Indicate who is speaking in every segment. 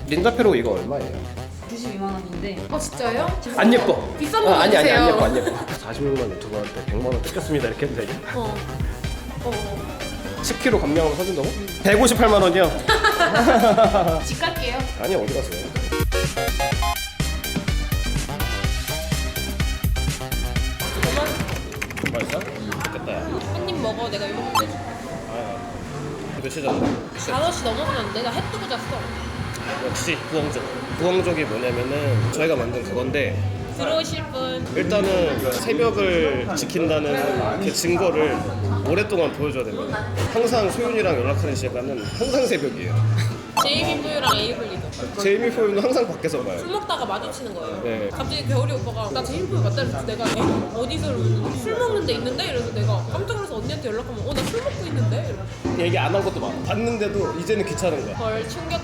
Speaker 1: 린다페로 이거 얼마예요?
Speaker 2: 92만 원인데.
Speaker 3: 진짜요?
Speaker 1: 안 예뻐.
Speaker 3: 비싼 거
Speaker 1: 아니 안
Speaker 3: 주세요.
Speaker 1: 예뻐 안 예뻐. 46만 유튜버한테 100만 원 뜯겼습니다 이렇게 해도 되냐? 10kg 감량으로 사준다고? 158만 원이요?
Speaker 3: 집 갈게요.
Speaker 1: 아니 어디 갔어요? 맛있어? 됐다 야.
Speaker 3: 한 입 먹어. 내가 이거 먹게 해줄게.
Speaker 1: 몇 시잖아?
Speaker 3: 5시 넘어가는데 나 해 뜨고 잤어.
Speaker 1: 역시 구엉족. 구엉족이 뭐냐면은 저희가 만든 그건데
Speaker 3: 들어오실 분.
Speaker 1: 일단은 그 새벽을 지킨다는 그 증거를 오랫동안 보여줘야 됩니다. 항상 소윤이랑 연락하는 시간은 항상 새벽이에요.
Speaker 3: 제이미 푸유랑 에이블리도.
Speaker 1: 제이미 포유는 항상 밖에서 봐요.
Speaker 3: 술 먹다가 마주치는 거예요.
Speaker 1: 네.
Speaker 3: 갑자기 겨울이 오빠가 나 제이미 푸유 맞다 그래서 내가 어디서 술 먹는 데 있는데? 이래서 내가 깜짝 놀라서 언니한테 연락하면 나 술 먹고 있는데? 이러고.
Speaker 1: 얘기 안 한 것도 많아. 봤는데도 이제는 귀찮은 거야.
Speaker 3: 헐 충격.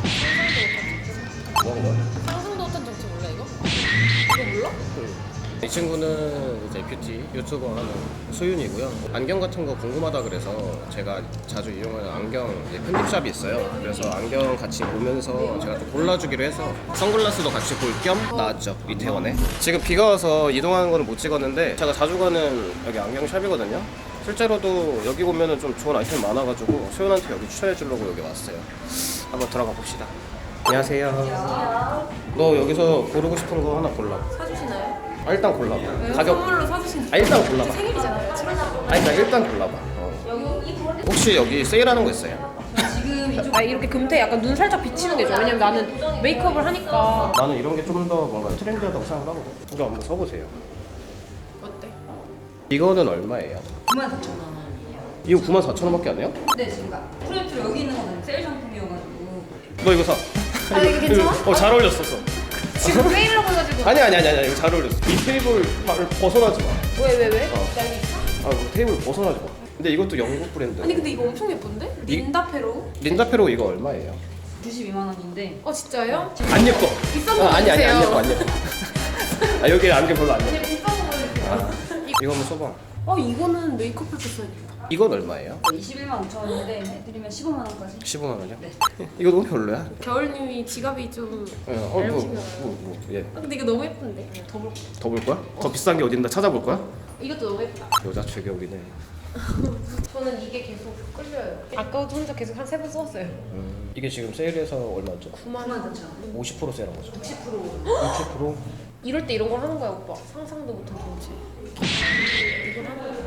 Speaker 1: 뭐 하는 거야?
Speaker 3: 상상도 못한 정체 몰라 이거? 이거 몰라?
Speaker 1: 이 친구는 이제 뷰티 유튜버 하는 소윤이고요. 안경 같은 거 궁금하다 그래서 제가 자주 이용하는 안경 편집샵이 있어요. 그래서 안경 같이 보면서 제가 좀 골라주기로 해서 선글라스도 같이 볼 겸 나왔죠, 이태원에. 지금 비가 와서 이동하는 거는 못 찍었는데 제가 자주 가는 여기 안경샵이거든요. 실제로도 여기 보면은 좀 좋은 아이템 많아가지고 소윤한테 여기 추천해 주려고 여기 왔어요. 한번 들어가 봅시다. 안녕하세요. 너 여기서 고르고 싶은 거 하나 골라.
Speaker 3: 사주시나요?
Speaker 1: 일단 골라봐.
Speaker 3: 왜요?
Speaker 1: 가격.
Speaker 3: 선물로 사주신다.
Speaker 1: 일단 골라봐.
Speaker 3: 생일이잖아요. 7월.
Speaker 1: 그러니까 일단 골라봐. 혹시 여기 세일하는 거 있어요?
Speaker 2: 지금 이쪽
Speaker 3: 이렇게 금태 약간 눈 살짝 비치는 게 좋아. 왜냐면 나는 메이크업을 하니까.
Speaker 1: 나는 이런 게 좀 더 뭔가 트렌디하다고 생각하거든. 이거 한번 써보세요.
Speaker 3: 어때?
Speaker 1: 이거는 얼마예요?
Speaker 2: 94,000원.
Speaker 1: 이거 94,000원밖에 안 해요?
Speaker 2: 네, 지금 프로젝트로 여기 있는 거는 세일 상품이어가지고.
Speaker 1: 너 이거 사.
Speaker 3: 이거 괜찮아?
Speaker 1: 잘 어울렸었어.
Speaker 3: 지금 세일이라고 해가지고.
Speaker 1: 아니 이거 잘 어울렸어. 이 테이블 벗어나지 마.
Speaker 3: 왜?
Speaker 1: 어.
Speaker 3: 나 여기 있어?
Speaker 1: 뭐 테이블 벗어나지 마. 근데 이것도 영국 브랜드.
Speaker 3: 아니 근데 이거 엄청 예쁜데? 린다페로?
Speaker 1: 린다페로 이거 얼마예요?
Speaker 2: 92만 원인데.
Speaker 3: 진짜요?
Speaker 1: 안 예뻐.
Speaker 3: 비싼 거
Speaker 1: 아니 안
Speaker 3: 주세요.
Speaker 1: 예뻐 안 예뻐. 여기 안경 별로 안 예뻐.
Speaker 3: 그냥 비싼 거 보여주세요.
Speaker 1: 이거 한번 써봐.
Speaker 3: 이거는 메이크업 할때 써야겠다.
Speaker 1: 이건 얼마예요?
Speaker 2: 21만 5천 원인데 해드리면 15만 원까지.
Speaker 1: 15만 원이요?
Speaker 2: 네.
Speaker 1: 이거 너무 별로야.
Speaker 3: 겨울님이 지갑이 좀.
Speaker 1: 예.
Speaker 3: 근데 이거 너무 예쁜데. 더 볼까?
Speaker 1: 더 볼 거야? 더 비싼 게 어딘다 찾아볼 거야?
Speaker 3: 이것도 너무 예쁘다.
Speaker 1: 여자 최격이네.
Speaker 3: 저는 이게 계속 끌려요. 아까도 혼자 계속 한 3번 써왔어요.
Speaker 1: 이게 지금 세일해서 얼마죠?
Speaker 3: 9만 원.
Speaker 1: 50% 세일한 거죠?
Speaker 2: 60%.
Speaker 1: 60%?
Speaker 3: 이럴 때 이런 걸 하는 거야 오빠. 상상도 못한 정체. 이걸 하는 거야.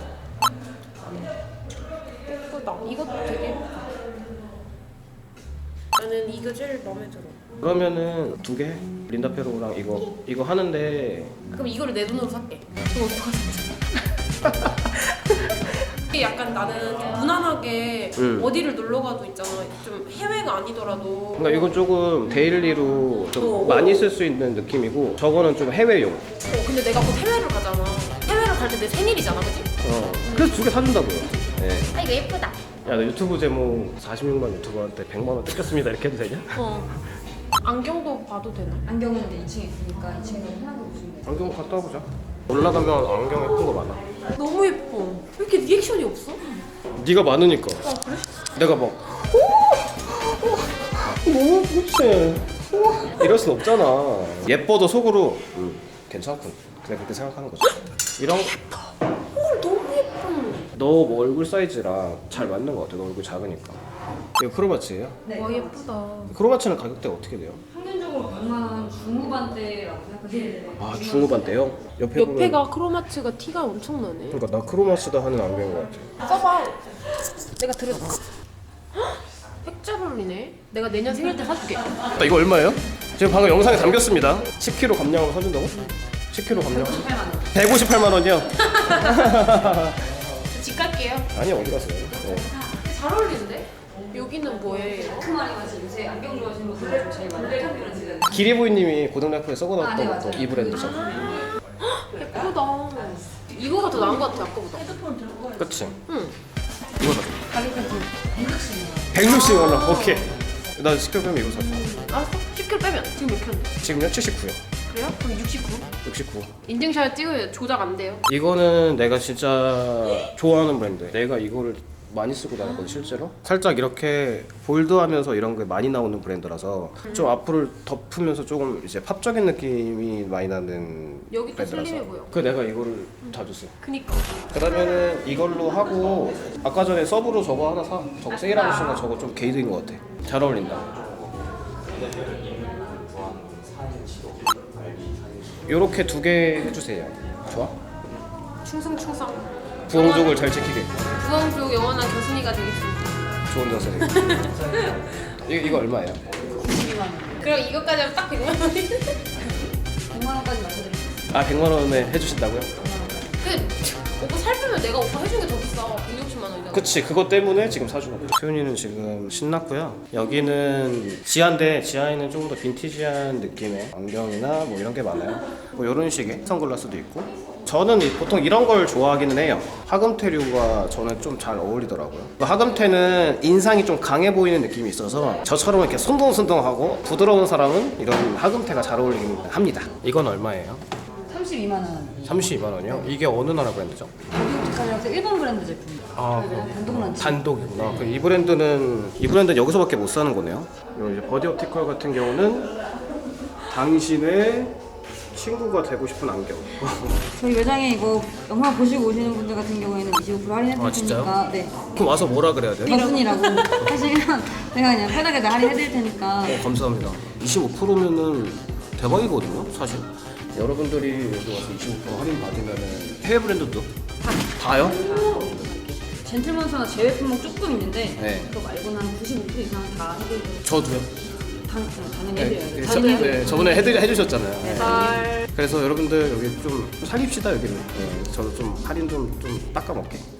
Speaker 3: 예쁘다. 이것도 되게 예쁘다. 나는 이거 제일 마음에 들어.
Speaker 1: 그러면은 두 개? 린다페로랑 이거 하는데
Speaker 3: 그럼 이거를 내 돈으로 살게. 그럼 어떡하지? 이게 약간 나는 좀 무난하게 어디를 놀러 가도 있잖아. 좀 해외가 아니더라도.
Speaker 1: 그러니까 이건 조금 데일리로 좀 많이 쓸 수 있는 느낌이고 저거는 좀 해외용.
Speaker 3: 근데 내가 곧 해외를 가잖아. 해외를 갈 때 내 생일이잖아, 그치?
Speaker 1: 그래서 두 개 사준다고요. 네.
Speaker 3: 이거 예쁘다.
Speaker 1: 야, 너 유튜브 제목 46만 유튜버한테 100만 원 뜯겼습니다 이렇게 해도 되냐?
Speaker 3: 안경도 봐도 되나?
Speaker 2: 안경은 이제 2층에 있으니까 2층에 편하게 보시면 돼요.
Speaker 1: 안경 갔다 와보자. 올라가면 안경 예쁜 거 많아.
Speaker 3: 너무 예뻐. 왜 이렇게 리액션이 없어?
Speaker 1: 네가 많으니까.
Speaker 3: 그래?
Speaker 1: 내가 막 너무 예쁘지. 이럴 순 없잖아. 예뻐도 속으로 괜찮군. 그냥 그렇게 생각하는 거지. 이런
Speaker 3: 너무 예뻐.
Speaker 1: 너 뭐 얼굴 사이즈랑 잘 맞는 거 같아. 너 얼굴 작으니까. 이거 크로마치예요?
Speaker 2: 네.
Speaker 3: 와 예쁘다.
Speaker 1: 크로마치는 가격대가 어떻게 돼요?
Speaker 2: 평균적으로 100만 원 중후반대라고 생각하시면 돼요.
Speaker 1: 아 중후반 대요?
Speaker 3: 옆에가 크로마츠가 티가 엄청 나네.
Speaker 1: 그러니까 나 크로마치다 하는 안경인 것 같아.
Speaker 3: 써봐. 내가 들여다. 핵잘 어울리네. 내가 내년 생일 때 사줄게.
Speaker 1: 나 이거 얼마예요? 지금 방금 영상에 담겼습니다. 10kg 감량으로 사준다고? 10kg 감량? 158만 원이요?
Speaker 3: 집 갈게요.
Speaker 1: 아니 어디 갔어요? 네.
Speaker 3: 잘 어울리는데? 여기는 뭐예요?
Speaker 2: 그 말이 맞지. 요새 안경 좋아하시는 분들 제일 많아요. 인터뷰를 지금.
Speaker 1: 기리부인님이 고등래프에 써놓았던
Speaker 2: 네,
Speaker 1: 것도
Speaker 2: 맞아요.
Speaker 1: 이 브랜드죠.
Speaker 3: 예쁘다. 이거가 더 나은 것 같아 아까보다.
Speaker 2: 핸드폰 들고 가요.
Speaker 1: 그치?
Speaker 3: 응.
Speaker 1: 이거다.
Speaker 2: 가격은 160만 원.
Speaker 1: 160만 원. 오케이. 나 10kg 빼면 이거 사줘.
Speaker 3: 알았어. 10kg 빼면 지금 몇 킬로인데?
Speaker 1: 지금요? 79요.
Speaker 3: 그래요? 그럼 69.
Speaker 1: 69.
Speaker 3: 인증샷 찍으면 조작 안 돼요.
Speaker 1: 이거는 내가 진짜 좋아하는 브랜드. 내가 이거를 많이 쓰고 다녔거든 실제로. 살짝 이렇게 볼드하면서 이런 게 많이 나오는 브랜드라서 좀 앞을 덮으면서 조금 이제 팝적인 느낌이 많이 나는
Speaker 3: 여기 또
Speaker 1: 브랜드라서.
Speaker 3: 슬림해 보여.
Speaker 1: 그 내가 이거를 자주 써.
Speaker 3: 그니까.
Speaker 1: 그러면은 이걸로 하고 아까 전에 서브로 저거 하나 사. 저거 세일하고 쓴 거 저거 좀 게이드인 것 같아. 잘 어울린다. 요렇게 2개 해주세요. 좋아?
Speaker 3: 충성충성.
Speaker 1: 부엉족을 잘 지키게.
Speaker 3: 부엉족 영원한 교순이가 되겠습니다.
Speaker 1: 좋은 자세. 이거 얼마예요?
Speaker 2: 92만 원.
Speaker 3: 그럼 이것까지 하면 딱 100만 원이.
Speaker 2: 100만 원까지 맞춰드릴게요.
Speaker 1: 아 100만 원에 해주신다고요?
Speaker 3: 그 오빠 살 빼면 내가 오빠 해준 게 더 비싸. 160만 원이잖아.
Speaker 1: 그치 그것 때문에 지금 사주는 거예요. 소윤이는 지금 신났고요. 여기는 지하인데 지하에는 조금 더 빈티지한 느낌의 안경이나 뭐 이런 게 많아요. 뭐 이런 식의 선글라스도 있고. 저는 보통 이런 걸 좋아하기는 해요. 하금테류가 저는 좀 잘 어울리더라고요. 하금테는 인상이 좀 강해 보이는 느낌이 있어서 저처럼 이렇게 손동손동하고 부드러운 사람은 이런 하금테가 잘 어울리긴 합니다. 이건 얼마예요?
Speaker 2: 32만 원.
Speaker 1: 32만 원이요? 이게 어느 나라 브랜드죠?
Speaker 2: 여기부터까지 일본 브랜드 제품이에요.
Speaker 1: 아,
Speaker 2: 단독 런치.
Speaker 1: 단독이구나. 그럼 이 브랜드는 여기서밖에 못 사는 거네요. 요 이제 버디 옵티컬 같은 경우는 당신의 친구가 되고 싶은 안경.
Speaker 2: 저희 매장에 이거 영상 보시고 오시는 분들 같은 경우에는 25% 할인해드릴
Speaker 1: 아, 진짜요?
Speaker 2: 테니까 네.
Speaker 1: 그럼 와서 뭐라 그래야 돼요?
Speaker 2: 버슨이라고 하시면 제가 그냥 편하게 다 할인해드릴 테니까
Speaker 1: 감사합니다. 25%면은 대박이거든요, 사실. 여러분들이 여기 와서 25% 할인 받으면은 해외 브랜드도 다요?
Speaker 2: 젠틀먼스나 제외 품목 조금 있는데
Speaker 1: 네.
Speaker 2: 그거 말고는 한 95% 이상 다 해드리고
Speaker 1: 저도요.
Speaker 2: 당연히
Speaker 1: 네,
Speaker 2: 해드려요.
Speaker 1: 네, 저번에 해주셨잖아요. 네.
Speaker 3: 잘.
Speaker 1: 그래서 여러분들 여기 좀 살립시다 여기를. 네, 저도 좀 할인 좀 닦아먹게.